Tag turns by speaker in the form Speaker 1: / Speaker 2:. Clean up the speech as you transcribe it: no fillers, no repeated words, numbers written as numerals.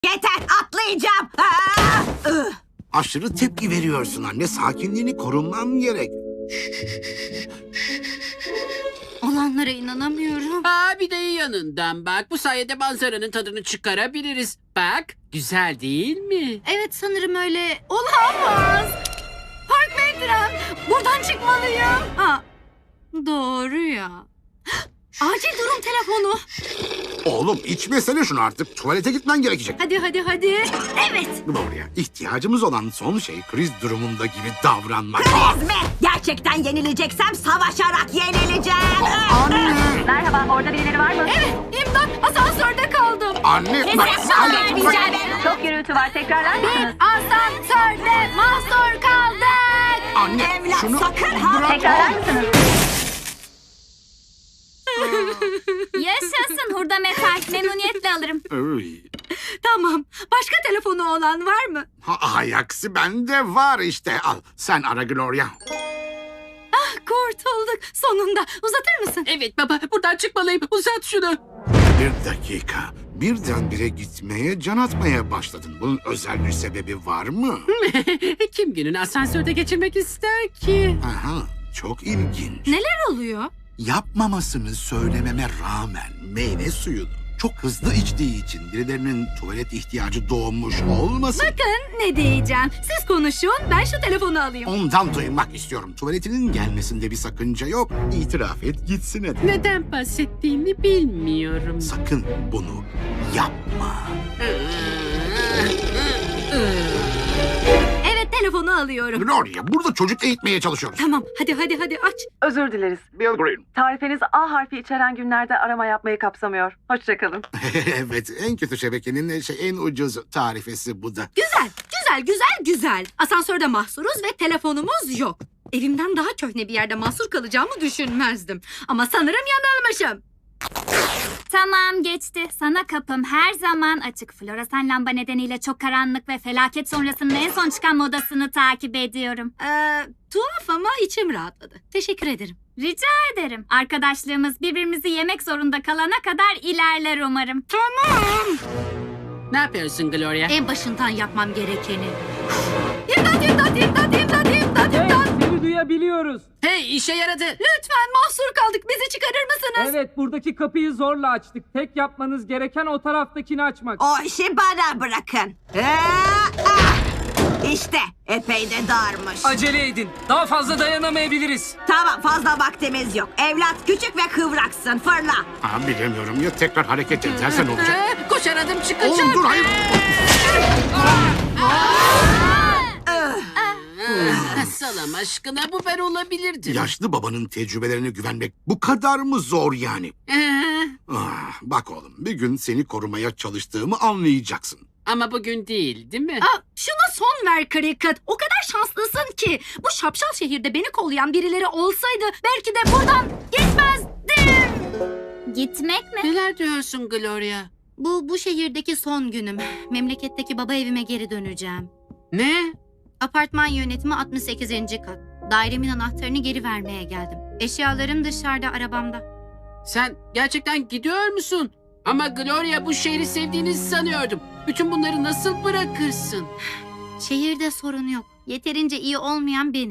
Speaker 1: Yeter, atlayacağım. Aa!
Speaker 2: Aşırı tepki veriyorsun anne. Sakinliğini korunman gerek.
Speaker 1: Olanlara inanamıyorum.
Speaker 3: Bir de yanından bak. Bu sayede manzaranın tadını çıkarabiliriz. Bak, güzel değil mi?
Speaker 1: Evet, sanırım öyle. Olamaz. Park Metren, buradan çıkmalıyım. Doğru ya. Acil durum telefonu.
Speaker 2: Oğlum içmesene şunu artık. Tuvalete gitmen gerekecek.
Speaker 1: Hadi. Evet.
Speaker 2: Gloria, ihtiyacımız olan son şey kriz durumunda gibi davranmak.
Speaker 1: Kriz mi? Gerçekten yenileceksem savaşarak yenileceğim.
Speaker 2: Anne!
Speaker 4: Merhaba, orada birileri var mı?
Speaker 1: Evet, imdat, asansörde kaldım.
Speaker 2: Anne!
Speaker 4: Çok gürültü var, tekrarlar mısınız?
Speaker 1: Asansörde mahsur kaldık.
Speaker 2: Anne,
Speaker 1: Evlat,
Speaker 2: şunu
Speaker 1: sakın ha.
Speaker 2: bırak.
Speaker 4: Tekrarlar mısınız?
Speaker 1: Yaşasın hurda metal. Memnuniyetle alırım.
Speaker 2: Ay.
Speaker 1: Tamam. Başka telefonu olan var mı?
Speaker 2: Aksi bende var işte. Al, sen ara Gloria.
Speaker 1: Kurtulduk. Sonunda. Uzatır mısın?
Speaker 3: Evet baba, buradan çıkmalıyım. Uzat şunu.
Speaker 2: Bir dakika. Birdenbire gitmeye, can atmaya başladın. Bunun özel bir sebebi var mı?
Speaker 3: Kim gününü asansörde geçirmek ister ki?
Speaker 2: Aha, çok ilginç.
Speaker 1: Neler oluyor?
Speaker 2: Yapmamasını söylememe rağmen meyve suyunu çok hızlı içtiği için birilerinin tuvalet ihtiyacı doğmuş olmasın.
Speaker 1: Bakın ne diyeceğim. Siz konuşun. Ben şu telefonu alayım.
Speaker 2: Ondan duymak istiyorum. Tuvaletinin gelmesinde bir sakınca yok. İtiraf et gitsin hadi.
Speaker 3: Neden bahsettiğini bilmiyorum.
Speaker 2: Sakın bunu yapma.
Speaker 1: Evet, telefonu alıyorum.
Speaker 2: Gloria, burada çocuk eğitmeye çalışıyoruz.
Speaker 1: Tamam. Hadi aç.
Speaker 4: Özür dileriz.
Speaker 2: Bill Green.
Speaker 4: Tarifeniz A harfi içeren günlerde arama yapmayı kapsamıyor. Hoşçakalın.
Speaker 2: Evet, en kötü şebekenin en ucuz tarifesi bu da.
Speaker 1: Güzel. Asansörde mahsuruz ve telefonumuz yok. Evimden daha köhne bir yerde mahsur kalacağımı düşünmezdim. Ama sanırım yanılmışım.
Speaker 5: Tamam, geçti. Sana kapım her zaman açık. Floresan lamba nedeniyle çok karanlık ve felaket sonrasının en son çıkan modasını takip ediyorum.
Speaker 1: Tuhaf ama içim rahatladı. Teşekkür ederim.
Speaker 5: Rica ederim. Arkadaşlığımız birbirimizi yemek zorunda kalana kadar ilerler umarım.
Speaker 3: Ne yapıyorsun Gloria?
Speaker 1: En başından yapmam gerekeni. İmdat!
Speaker 6: Seni duyabiliyoruz.
Speaker 3: Hey, işe yaradı.
Speaker 1: Lütfen, mahsur kaldık. Bizi çıkarır mısınız?
Speaker 6: Evet, buradaki kapıyı zorla açtık. Tek yapmanız gereken o taraftakini açmak.
Speaker 1: O işi bana bırakın. İşte epey de darmış.
Speaker 6: Acele edin. Daha fazla dayanamayabiliriz.
Speaker 1: Tamam, fazla vaktimiz yok. Evlat küçük ve kıvraksın. Fırla.
Speaker 2: Bilemiyorum ya tekrar hareket edersen olacak.
Speaker 3: Koşar adım çıkacak.
Speaker 2: Oğlum dur hayır.
Speaker 3: Salam aşkına, bu ben olabilirdim.
Speaker 2: Yaşlı babanın tecrübelerine güvenmek bu kadar mı zor yani? Bak oğlum bir gün seni korumaya çalıştığımı anlayacaksın.
Speaker 3: Ama bugün değil mi?
Speaker 1: Şuna son ver Cricket. O kadar şanslısın ki. Bu şapşal şehirde beni kollayan birileri olsaydı belki de buradan gitmezdim.
Speaker 5: Gitmek mi?
Speaker 3: Neler diyorsun Gloria?
Speaker 1: Bu şehirdeki son günüm. Memleketteki baba evime geri döneceğim.
Speaker 3: Ne?
Speaker 1: Apartman yönetimi 68. kat. Dairemin anahtarını geri vermeye geldim. Eşyalarım dışarıda, arabamda.
Speaker 3: Sen gerçekten gidiyor musun? Ama Gloria, bu şehri sevdiğini sanıyordum. Bütün bunları nasıl bırakırsın?
Speaker 1: Şehirde sorun yok. Yeterince iyi olmayan benim.